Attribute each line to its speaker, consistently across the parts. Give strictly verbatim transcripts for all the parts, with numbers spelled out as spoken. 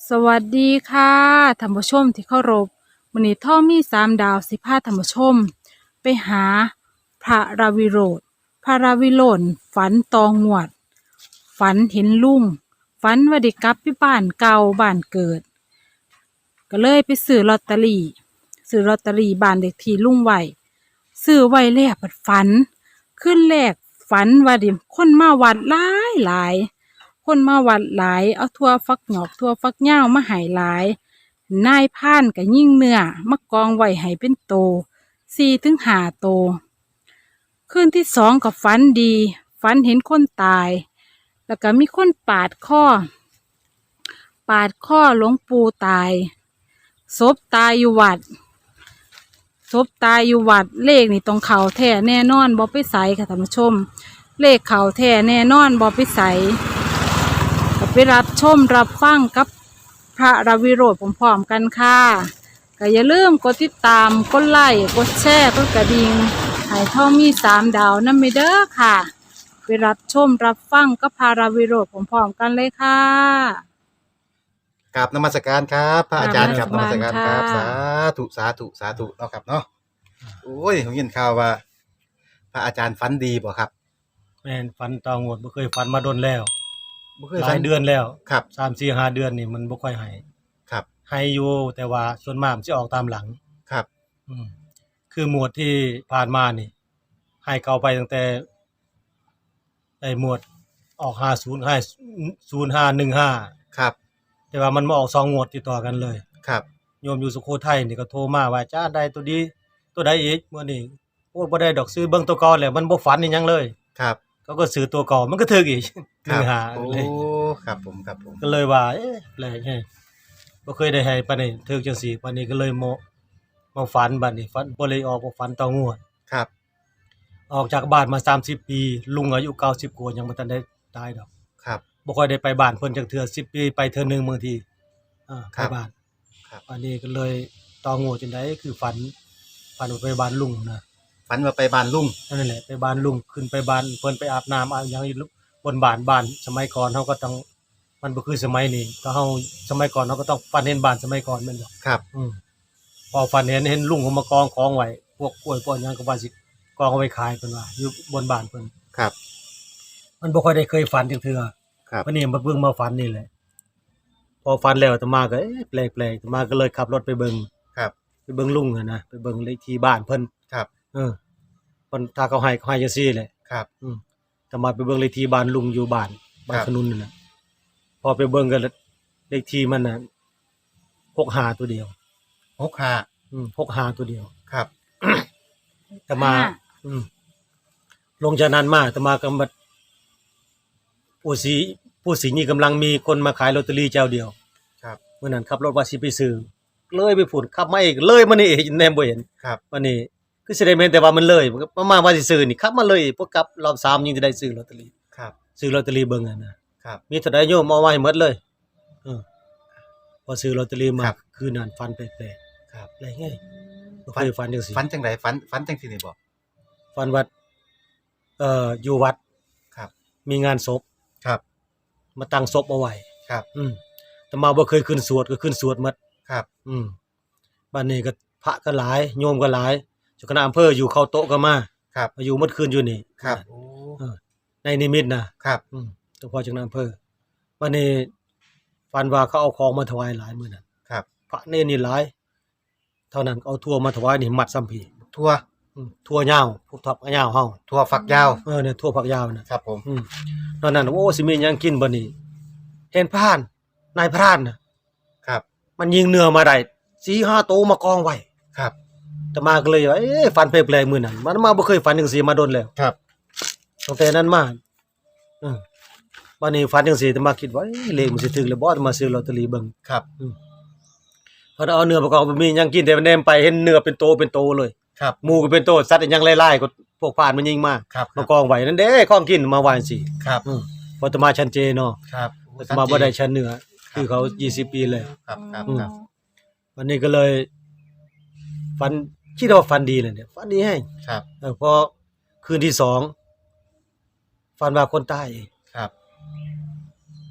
Speaker 1: สวัสดีค่ะท่านผู้ชมที่เคารพวันนี้ท่อมีสามดาวสิพาท่านผู้ชมไปหาพระราวิโรธพระราวิโรธฝันตองวด ฝันเห็นลุงฝันว่าได้กลับไปบ้านเก่าบ้านเกิด ก็เลยไปซื้อลอตเตอรี่ซื้อลอตเตอรี่บ้านเด็กที่ลุงไว้ซื้อไว้แล้วบัดฝันขึ้นแรกฝันว่าดิคนมาวัดหลายหลาย คนมาวัดหลายเอาทั่วฟักหยอกทั่วฟักเหย้ามาให้หลายนายพรานก็ยิ่งเนื้อมากองไว้ให้เป็นโตสี่ถึงห้าโตคืนที่สองก็ฝันดีฝันเห็นคนตาย แล้วก็มีคนปาดคอปาดคอหลวงปู่ตายศพตายอยู่วัดศพตายอยู่วัดเลขนี่ตรงเขาแท้แน่นอนบ่ไปใส่ค่ะท่านผู้ชมเลขเขาแท้แน่นอนบ่ไปใส่ก็ไปรับชมรับฟังกับพระราวิโรธพร้อมๆกันค่ะก็อย่าลืมกดติดตามกดไลค์กดแชร์กดกระดิ่งให้ท่อมีสามดาวนั่นไม่เด้อค่ะไปรับชมรับฟังกับพระราวิโรธพร้อมๆกันเลยค่ะ
Speaker 2: กราบนมัสการครับพระอาจารย์
Speaker 1: ก
Speaker 2: ค
Speaker 1: รา
Speaker 2: รั
Speaker 1: บบ น
Speaker 2: น
Speaker 1: มั
Speaker 2: มั
Speaker 1: ส
Speaker 2: ส
Speaker 1: การ
Speaker 2: การครับ
Speaker 1: ค่ะ
Speaker 2: สาธุสาธุสาธุเนาะครับเนาะโอ้ยผมยินข่าวว่า พระอาจารย์ฝันดีบ่ครับ
Speaker 3: แม่นฝันตองวดบ่เคยฝันมาโดนแล้ว
Speaker 2: บ่เคย
Speaker 3: ห
Speaker 2: ฝั
Speaker 3: ลาน ยเดือนแล้ว
Speaker 2: ครับ
Speaker 3: สาม สี่ ห้าเดือนนี่มันบ่ค่อยให้
Speaker 2: ครับ
Speaker 3: ให้อยู่แต่ว่าส่วนมากมันสิออกตามหลัง
Speaker 2: ครับ
Speaker 3: อืมคือหมวดที่ผ่านมานี่ให้เข้าไปตั้งแต่ไอ้หมวดออกห้าสิบให้ศูนย์ห้าหนึ่งห้า
Speaker 2: ครับ
Speaker 3: แต่ว่ามันมาออกสองงวดติดต่อกันเลย
Speaker 2: ครับ
Speaker 3: โยมอยู่สุโขทัยนี่ก็โทรมาว่าจ้าได้ตัวดีตัวใดอีกมื้อนี้โอ้บ่ได้ดอกซื้อเบิ่งตัวเก่าแล้วมันบ่ฝันอีหยังเลย
Speaker 2: ครับ
Speaker 3: เขาก็ซื้อตัวเก่ามันก็ถึกอีก
Speaker 2: ครับ
Speaker 3: หนึ่งห้า
Speaker 2: โอ้
Speaker 3: เลย
Speaker 2: ครับผมครับผม
Speaker 3: ก็เลยว่าเอ๊ะแปลกแฮะบ่เคยได้ให้ปานนี้ถึกจังซี่ปานนี้ก็เลยมามาฝันบัดนี้ฝันบ่เลยออกบ่ฝันต่องวด
Speaker 2: ครับ
Speaker 3: ออกจากบ้านมาสามสิบปีลุงอายุเก้าสิบกว่ายังบ่ทันได้ตายดอก
Speaker 2: ครับ
Speaker 3: บ่ค่อยได้ไปบ้านเพิ่นจักเทื่อสิบปีไปเทื่อหนึงบางทีอ่า
Speaker 2: ค
Speaker 3: ไป
Speaker 2: รับ
Speaker 3: บ้าน
Speaker 2: ครับ
Speaker 3: อันนี้ก็เลยต่องวดจังได๋คือฝันฝันว่าไปบ้านลุงนะ
Speaker 2: ฝันว่าไปบ้านลุง
Speaker 3: นั่นแหละไปบ้านลุงขึ้นไปบ้านเพิ่นไปอาบน้ำอาบหยังอยู่บนบ้านบ้านสมัยก่อนเฮาก็ต้องมันบ่คือสมัยนี้ก็เฮาสมัยก่อนเฮาก็ต้องฝันเห็นบ้านสมัยก่อนแม่นบ่
Speaker 2: ครับ
Speaker 3: อืมพอฝันเห็นเห็นลุงเขามากองของไว้พวกกล้วยพวกหยังก็ว่าสิกองเอาไว้ขายเพิ่นว่าอยู่บนบ้านเพิ่น
Speaker 2: ครับ
Speaker 3: มันบ่ค่อยได้เคยฝันจักเทื่อ
Speaker 2: ครับ
Speaker 3: วันนี้มาเบิ่งมาฝันนี่แหละพอฝันแล้วอาตมาก็เอ๊ะแปลกๆอาตมาก็เลยขับรถไปเบิ่ง
Speaker 2: ครับ
Speaker 3: ไปเบิ่งลุงอะนะไปเบิ่งเลขที่บ้านเพิ่น
Speaker 2: ครับ
Speaker 3: เออเพิ่นถ้าเขาให้เขาให้จังซี่แหละ
Speaker 2: ครับ
Speaker 3: อืมอาตมาไปเบิ่งเลขที่บ้านลุงอยู่บ้านบ้าน
Speaker 2: ครับ
Speaker 3: ขนุนนั่นน่ะพอไปเบิ่งก็เลขที่มันน่ะหกห้าตัวเดียว
Speaker 2: หกห้า
Speaker 3: อืมหกห้าตัวเดียว
Speaker 2: ครับ
Speaker 3: อาตมา
Speaker 1: ห้า
Speaker 3: อืมลงจากนั้นมาอาตมาก็มาผู้สีผู้สินี่กำลังมีคนมาขายลอตเตอรี่เจ้าเดียว
Speaker 2: ครับ
Speaker 3: เมื่อนั้นขับรถว่าสิไปซื้อเลยไปพูดขับมาอีกเลยมานี่ แนมบ่เห็น
Speaker 2: ครับ
Speaker 3: วันนี้คือสิได้แม่นแต่ว่ามันเลยมันก็ประมาณว่าสิซื้อนี่ขับมาเลยพวกกลับรอบสามยังจะได้ซื้อลอตเตอรี่
Speaker 2: ครับ
Speaker 3: ซื้อลอตเตอรี่เบิ่งอ่ะนะครับ มีเท่าใดโยมเอาไว้ให้หมดเลยเออพอซื้อลอตเตอรี่มา
Speaker 2: ครับ
Speaker 3: คืนนั้นฝันแปลก
Speaker 2: ครับ
Speaker 3: ๆอะไรไงบ่เคยฝันจังซี่
Speaker 2: ฝันจังไดฝันฝันจังซี่นี่บ่
Speaker 3: ฝันว่าเอ่ออยู่วัด
Speaker 2: ครับ
Speaker 3: มีงานศพ
Speaker 2: ครับ
Speaker 3: มาตั้งศพเอาไว้
Speaker 2: ครับ
Speaker 3: อืมแต่มาบ่เคยขึ้นสวดก็ขึ้นสวดหมด
Speaker 2: ครับ
Speaker 3: อืมบ้านนี้ก็พระก็หลายโยมก็หลายเจ้าคณะอำเภออยู่เข้าโต๊ะก็มา
Speaker 2: ครับ
Speaker 3: มาอยู่หมดคืนอยู่นี่
Speaker 2: ครับโอ้
Speaker 3: เออในนิมิตนะครับ อืมเจ้าพ่อเจ้าคณะอำเภอวันนี้ฝันว่าเขาเอาของมาถวายหลายมื้อนั้น
Speaker 2: ครับ
Speaker 3: พระเนรนี่หลาย เท่านั้นเอาทั่วมาถวายนี่มัดซ้ำพี
Speaker 2: ทั่ว
Speaker 3: อืมทั่วยาวพวกทับยาวเฮา
Speaker 2: ทั่วฝักยาว
Speaker 3: เออเนี่ยทั่วผักยาวน่ะ
Speaker 2: ครับผม
Speaker 3: อืมตอนนั้นโอ้สิมีหยังกินบ่นี่เห็นพรานนายพรานน่ะ
Speaker 2: ครับ
Speaker 3: มันยิงเนื้อมาได้ สี่ห้า โตวมากองไว้
Speaker 2: ครับ
Speaker 3: แต่มาก็เลยว่าเอ๊ะฝันแปลกๆมื้อนั้นมันมาบ่เคยฝันจังซี่มาโดนแล้ว
Speaker 2: ครับ
Speaker 3: ตั้งแต่นั้นมาเออบัดนี้ฝันจังซี่แต่มาคิดว่าเอ๊ะเลขมันสิถึกแล้วบ่จะมาซื้อลอตเตอรี่เบิ่ง
Speaker 2: ครับ
Speaker 3: พอเอาเนื้อมากองบ่มีหยังกินแต่แนมไปเห็นเนื้อเป็นโตเป็นโตเลย
Speaker 2: ครับ
Speaker 3: หมูก็เป็นโตสัตว์อีหยังหลายๆก็พวกพรานมันยิงมา
Speaker 2: ครับ
Speaker 3: มากองไว้นั่นเด้ของกินมาว่าจังซี่
Speaker 2: ครับ
Speaker 3: อือพออาตมาชันเจเนาะ
Speaker 2: ครับ
Speaker 3: อาตมาบ่ได้ชันเนื้อคือเขายี่สิบปีเลย
Speaker 2: ครับครับ
Speaker 3: อืม
Speaker 2: ครับ
Speaker 3: วันนี้ก็เลยฝันคิดว่าฝันดีเลยเนี่ยฝันดีแฮง
Speaker 2: ครับ
Speaker 3: เออพอคืนที่สองฝันว่าคนตาย
Speaker 2: ครับ
Speaker 3: ฝัน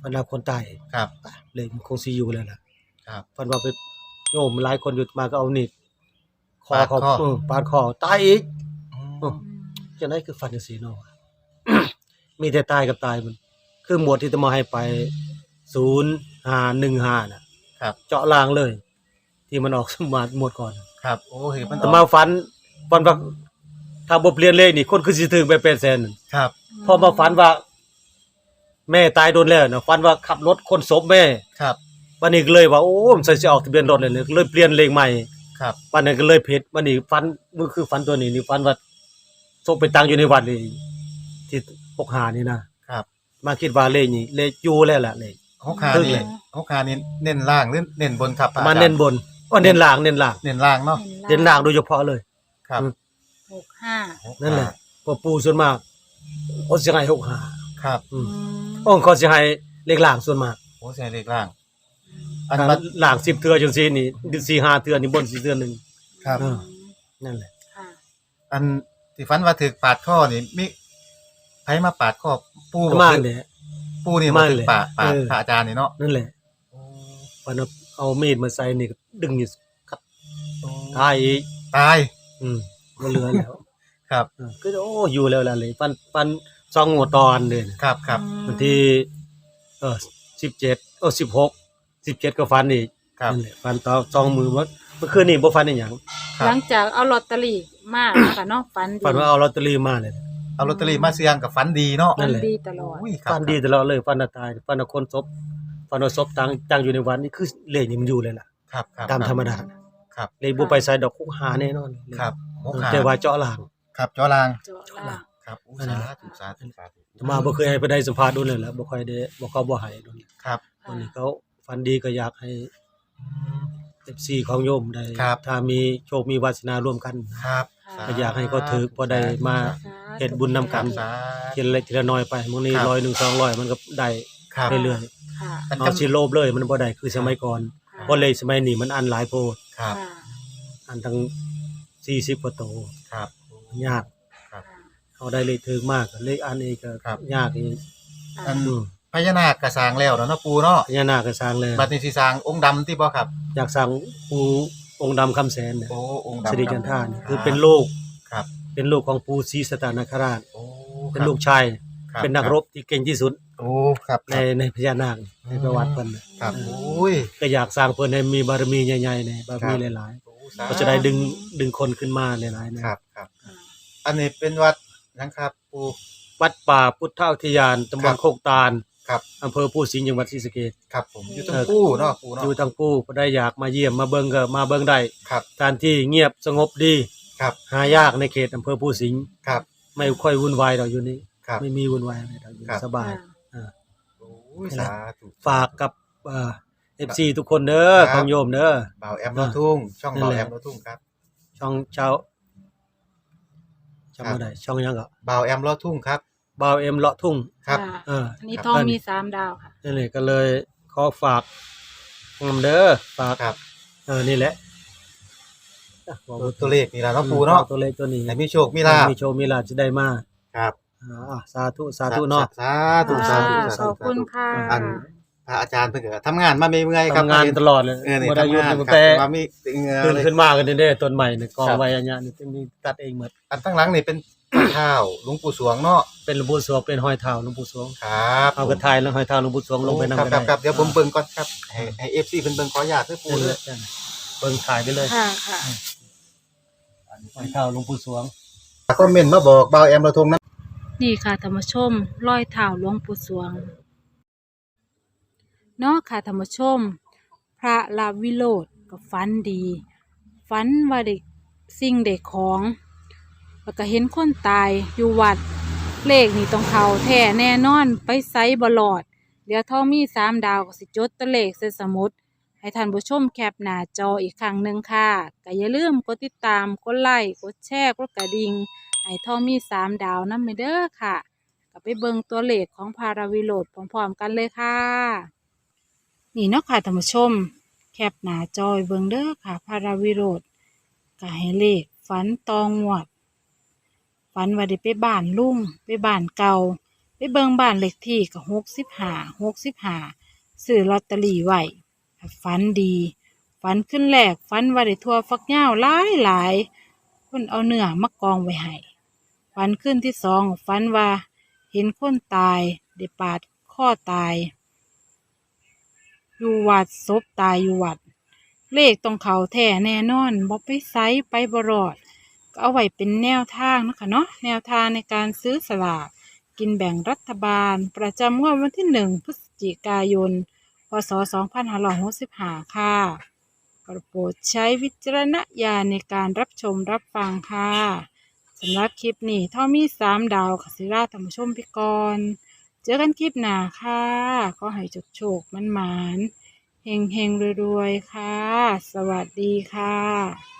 Speaker 3: รรดาคนตาย
Speaker 2: ครับ
Speaker 3: เลยมันคงสิอยู่แล้วล่ะ
Speaker 2: ครับ
Speaker 3: เพิ่นว่าไปโยมหลายคนอยู่มาก็เอานี่คอ
Speaker 2: ปาด
Speaker 3: เขา
Speaker 2: คอ
Speaker 3: เออปาดคอตายอีก
Speaker 2: อืม
Speaker 3: เออ จังได๋คือฝันจังซี่เนาะ มีแต่ตายกับตายมันคือหมวดที่จะมาให้ไปศูนย์ ห้า หนึ่ง ห้าน่ะ
Speaker 2: ครับ
Speaker 3: เจาะลางเลย ที่มันออก สมาหมวดก่อน
Speaker 2: ครับ โอ้เห็นมัน
Speaker 3: แต่มาฝันฝันว่าถ้าบ่เปลี่ยนเลขนี่คนคือสิถึงไปเป็นแสน
Speaker 2: ครับ
Speaker 3: พอมาฝันว่า แม่ตายโดนแล้วน่ะฝันว่าขับรถคนศพแม่
Speaker 2: ครับ
Speaker 3: วันนี้ก็เลยว่าโอ้มันใส่สิออกทะเบียนรถเลยเลยเลยเปลี่ยนเลขใหม่
Speaker 2: ครับ
Speaker 3: วันนั้นก็เลยผิดวันนี้ฝันมันคือฝันตัวนี้นี่ฝันว่าศพไปตั้งอยู่ในวัดนี่ที่หกสิบห้านี่นะครับ มาคิดว่าเลขนี้เลขอยู่แล้วล่ะเลข
Speaker 2: หกขา
Speaker 3: คือ
Speaker 2: นี่
Speaker 3: เลย
Speaker 2: หกขานี่เน้นล่างหรือเน้นบนครับพระ
Speaker 3: มา
Speaker 2: อจรย์
Speaker 3: เน้นบนว่าเน้นล่างเน้นล่าง
Speaker 2: เน้นล่างเนาะ
Speaker 3: เน้นล่างโดยเฉพาะเลย
Speaker 2: ครับ
Speaker 3: อืม
Speaker 1: หกห้า
Speaker 3: นั่นแหละเพอปู่ส่วนมากเขาสิให้หกสิบห้า
Speaker 2: ครับ
Speaker 3: อืมอ้องเขาสิให้เลขล่างส่วนมาก
Speaker 2: โอ้ใช่เลขล่าง อัน
Speaker 3: ถ้า
Speaker 2: บัด
Speaker 3: ล่างสิบเทื่อจังซี่นี่สี่ ห้าเทื่อนี่บนสี่เทื่อหนึง
Speaker 2: ครับ
Speaker 3: เออนั่นแหละ
Speaker 1: ค่ะ
Speaker 2: อันที่ฝันว่าถึกปาดข้อนี่มีไผมาปาดข้อปู่บ่
Speaker 3: มา
Speaker 2: คือ
Speaker 3: เนี่ย
Speaker 2: ปู่นี่มา
Speaker 3: มา
Speaker 2: ถึก
Speaker 3: เลย
Speaker 2: ปาดปาด
Speaker 3: เออ
Speaker 2: พระอาจารย์นี่เนาะ
Speaker 3: นั่นแหละวันเอาเอามีดมาใส่นี่ก็ดึงนี่ครับ
Speaker 2: โอ้
Speaker 3: ตายอีก
Speaker 2: ตาย
Speaker 3: อืมบ่เหลือแล้ว
Speaker 2: ครับ
Speaker 3: เออก็โอ้อยู่แล้วล่ะเลยปันปันสองหัวตอนเด้อ
Speaker 2: ครับครับ
Speaker 3: วันที่เออสิบเจ็ดเออสิบหก สิบเจ็ดก็ฟันอีก
Speaker 2: ครับ
Speaker 3: นั่นแหละฟันต่อสองมือว่าเมื่อคืนนี้บ่ฟันอีหยัง
Speaker 2: ครับ
Speaker 1: หลังจากเอาลอตเตอรี่มาค่ะเนาะฝันดี
Speaker 3: ฟันว่าเอาลอตเตอรี่มาเลย
Speaker 2: เอาลอตเตอรี่มาเสี่ยงกับฝันดีเนาะ
Speaker 3: นั่
Speaker 1: ฝั
Speaker 3: น
Speaker 1: น
Speaker 3: แหละ
Speaker 1: ดีตลอด
Speaker 2: อุ้ยครับ
Speaker 3: ฟันดีตลอดเลยฟันน่ะตายฟันน่ะคนศพฟันว่าศพตั้งตั้งอยู่ในวันนี้คือเลขนี่มันอยู่เลยล่ะ
Speaker 2: ครับครับ
Speaker 3: ตามธรรมดา
Speaker 2: ครับ
Speaker 3: เลขบ่ไปใส่ดอกคุกหาแน่นอน
Speaker 2: ครับหกขา
Speaker 3: แต่ว่าเจาะล่าง
Speaker 2: ครับจอลาง
Speaker 1: เจาะล่าง
Speaker 2: ครับอู้
Speaker 3: นั่น
Speaker 2: สา
Speaker 3: แหละ
Speaker 2: ธุสาธุสาธุ
Speaker 3: มาบ่เคยให้ไปได้สัมภาษณ์โดนเลยแหละบ่ค่อยได้บ่เขาบ่ให้โดน
Speaker 2: ครับ
Speaker 3: วันนี้เขาฟันดีก็อยากให้ เอฟ ซี ของโยมได้
Speaker 2: ครับ
Speaker 3: ถ้ามีโชคมีวาสนาร่วมกัน
Speaker 2: ครับ
Speaker 3: ก็อยากให้เขาถือพอได้มา เฮ็ดบุญนำกัน
Speaker 2: สา
Speaker 3: ทีละเล็กทีละน้อยไปมื้อนี้
Speaker 2: ครับ
Speaker 3: ร้อยหนึ่ง สองร้อยมันก็ได้
Speaker 2: ครับ
Speaker 3: เรื่อย
Speaker 1: ค่ะ
Speaker 2: อัน
Speaker 3: ๆเอา
Speaker 2: กำ
Speaker 3: สิโลภเลยมันบ่ได้คือสมัยก่อน
Speaker 1: ค่ะ
Speaker 3: เพราะเลขสมัยนี้มันอันหลายโพด
Speaker 2: ครับ
Speaker 1: ค่ะ
Speaker 3: อันทั้งสี่สิบกว่าโต
Speaker 2: ครับ
Speaker 3: ยาก
Speaker 2: ครับ
Speaker 3: เอาได้เลขถึกมากเลขอันนี้ก็
Speaker 2: ครับ
Speaker 3: ยากอีก
Speaker 2: อัน
Speaker 3: อืม
Speaker 2: พญานาคกระสร้างแล้วเนาะเนาะปูเนาะ
Speaker 3: พญานาคก็สร้างแล้ว
Speaker 2: บัดนี้สิสร้างองค์ดำที่บ่ครับ
Speaker 3: อยากสร้างปู่องค์ดำคำแสนเนี่ย
Speaker 2: โอ้องค์ดำ
Speaker 3: สิริ
Speaker 2: ค
Speaker 3: จั
Speaker 2: รับ
Speaker 3: นทราเนี่ยคือเป็นลูก
Speaker 2: ครับ
Speaker 3: เป็นลูกของปู่ศรีสตานคราช
Speaker 2: โอ้
Speaker 3: เป็นลูกชาย
Speaker 2: ครับ
Speaker 3: เป็นนักรบที่เก่งที่สุด
Speaker 2: โอ้ครับ
Speaker 3: ในในพญานาคในประวัติเพิ่นน่ะ
Speaker 2: ครับโอ้ย
Speaker 3: ก็อยากสร้างเพิ่นให้มีบารมีใหญ่ๆเนี่ยบารมีหลาย
Speaker 2: โอ้
Speaker 3: ๆ
Speaker 2: สา
Speaker 3: ก็จะได้ดึงดึงคนขึ้นมาหลายๆนะครับ
Speaker 2: ครับ อันนี้เป็นวัดนะครับปู
Speaker 3: วัดป่าพุทธอุทยานตำบ
Speaker 2: ครั
Speaker 3: ล
Speaker 2: บ
Speaker 3: โคกตาล
Speaker 2: ครับ
Speaker 3: อำเภอภูสิงห์จังหวัดศรีสะเกษ
Speaker 2: ครับผมอยู่ตรง
Speaker 3: เออ
Speaker 2: ปูเนาะปูเนาะ
Speaker 3: อยู่ทางผู้ก็ได้อยากมาเยี่ยมมาเบิ่งก็มาเบิ่งได้
Speaker 2: ครับ
Speaker 3: สถานที่เงียบสงบดี
Speaker 2: ครับ
Speaker 3: หายากในเขตอำเภอภูสิงห์
Speaker 2: ครับ
Speaker 3: ไม่ค่อยวุ่นวายดอกอยู่นี่
Speaker 2: ครับ
Speaker 3: ไม่มีวุ่นวายอะไรดอกอยู่
Speaker 2: ครับ
Speaker 3: สบาย
Speaker 1: ค่ะ
Speaker 3: อ่า
Speaker 2: โอ้ยสาธุ
Speaker 3: ฝากกับเอ่อ เอฟ ซี ทุกคนเด้อ
Speaker 2: ครับ
Speaker 3: ของโยมเด้อ
Speaker 2: เบาแอมโลทุ่ง ช่อง
Speaker 3: นั่น
Speaker 2: เบา
Speaker 3: แหละ
Speaker 2: แอมโลทุ่งครับ
Speaker 3: ช่องเช้าช่อง
Speaker 2: ครับ
Speaker 3: บ่ได้ช่องหยังก็
Speaker 2: เบาแอมโลทุ่งครับ
Speaker 3: บ่าวเอ็มเลาะทุ่ง
Speaker 2: ครับ
Speaker 1: ะ
Speaker 3: เออ
Speaker 1: อันนี้
Speaker 2: ครับ
Speaker 1: ทองมีสามดาวค่ะ
Speaker 3: นั่นแหละก็เลยขอฝากนำเด้อฝาก
Speaker 2: ครับ
Speaker 3: เออนี่แหละอ่ะบอก
Speaker 2: ตัวตัวเลขนี่ล่ะเนาะปูเนาะ
Speaker 3: ตัวเลขตัวนี้
Speaker 2: ให้มีโชคมีลาภ
Speaker 3: มีโชคมีลาภจะได้มา
Speaker 2: ครับ
Speaker 3: อ่าสาธุสาธุเนาะ
Speaker 2: สาธุสาธุ
Speaker 1: ค่ะ
Speaker 2: สาธุ
Speaker 1: ขอบคุณค่ะ
Speaker 2: อันพระอาจารย์เพิ่นก็ทำงานมาเมื่อยๆครับ
Speaker 3: ทำงานตลอดเลย
Speaker 2: เออนี่
Speaker 3: บ่ได้หยุด
Speaker 2: ทำงาน
Speaker 3: ตั้ง
Speaker 2: ครับ
Speaker 3: แต่
Speaker 2: ว่ามีเงือ
Speaker 3: ตื่น
Speaker 2: เลย
Speaker 3: ขึ้นมากันเด้อต้นใหม่เนี่ยกอง
Speaker 2: ครับ
Speaker 3: ไว้อันเนี้ยนี่มีตัดเองหมด
Speaker 2: อันตั้งหลังนี่เป็นข้าวหลวงปู่สวงเนาะ
Speaker 3: เป็นหลวงปู่สวงเป็นห้อยเท้าหลวงปู่สวง
Speaker 2: ครับ
Speaker 3: เอากระทายแล้วห้อยเท้าหลวงปู่สวงลงไปนำ
Speaker 2: ครับ
Speaker 3: ก็
Speaker 2: ครั
Speaker 3: ได้
Speaker 2: บครับเดี๋ยวผมเบิ่งก่อนครับให้ให้ เอฟ ซี เพิ่นเบิ่งขออนุญาตเด้อปู่
Speaker 3: นั่น
Speaker 2: เด้
Speaker 3: แห
Speaker 2: อ
Speaker 3: ละนั่นเบิ่งถ่ายไปเลย
Speaker 1: ค่ะค่ะ
Speaker 3: ห้อยเท้าหลวงปู่สวง
Speaker 2: คอมเมนต์มาบอกเบาแอมเราทงนะ
Speaker 1: นี่ค่ะธรรมชมรอยเท้าหลวงปู่สวงเนาะค่ะธรรมชม พระลาวิโรธก็ฝันดีฝันว่าเด็กสิ่งเด็กของ แล้วก็เห็นคนตายอยู่วัด เลขนี่ต้องเขาแท้แน่นอนไปไซบลอด เดี๋ยวทองมีสามดาวก็สิจดตัวเลขใส่สมุด ให้ท่านผู้ชมแคปหน้าจออีกครั้งหนึ่งค่ะก็อย่าลืมกดติดตามกดไลค์กดแชร์กดกระดิ่งให้ทองมีสามดาวนั่นไปเด้อค่ะก็ไปเบิ่งตัวเลขของพาราวิโรธพร้อมๆกันเลยค่ะ นี่เนาะค่ะท่านผู้ชม แคปหน้าจอยเบิ่งเด้อค่ะพาราวิโรธก็ให้เลขฝันตองวดฝันว่าได้ไปบ้านลุงไปบ้านเก่าไปเบิ่งบ้านเลขที่ก็หกสิบห้าหกสิบห้าซื้อลอตเตอรี่ไว้ฝันดีฝันขึ้นแรกฝันว่าได้ทั่วฟักยาวหลายหลายเพิ่นเอาเนื้อมากองไว้ให้ฝันขึ้นที่สองฝันว่าเห็นคนตายได้ปาดคอตายอยู่วัดศพตายอยู่วัดเลขต้องเขาแท้แน่นอนบ่ไปไสไปบ่รอดก็เอาไว้เป็นแนวทางนะคะเนาะแนวทางในการซื้อสลากกินแบ่งรัฐบาลประจำงวดวันที่หนึ่งพฤศจิกายนพศสองพันห้าร้อยหกสิบห้าค่ะโปรดใช้วิจารณญาณในการรับชมรับฟังค่ะสำหรับคลิปนี้ท่อมีสามดาวค่ะสิราท่านผู้ชมไปก่อนเจอกันคลิปหน้าค่ะขอให้โชคโชคมันหมานเฮงเฮงรวยๆค่ะสวัสดีค่ะ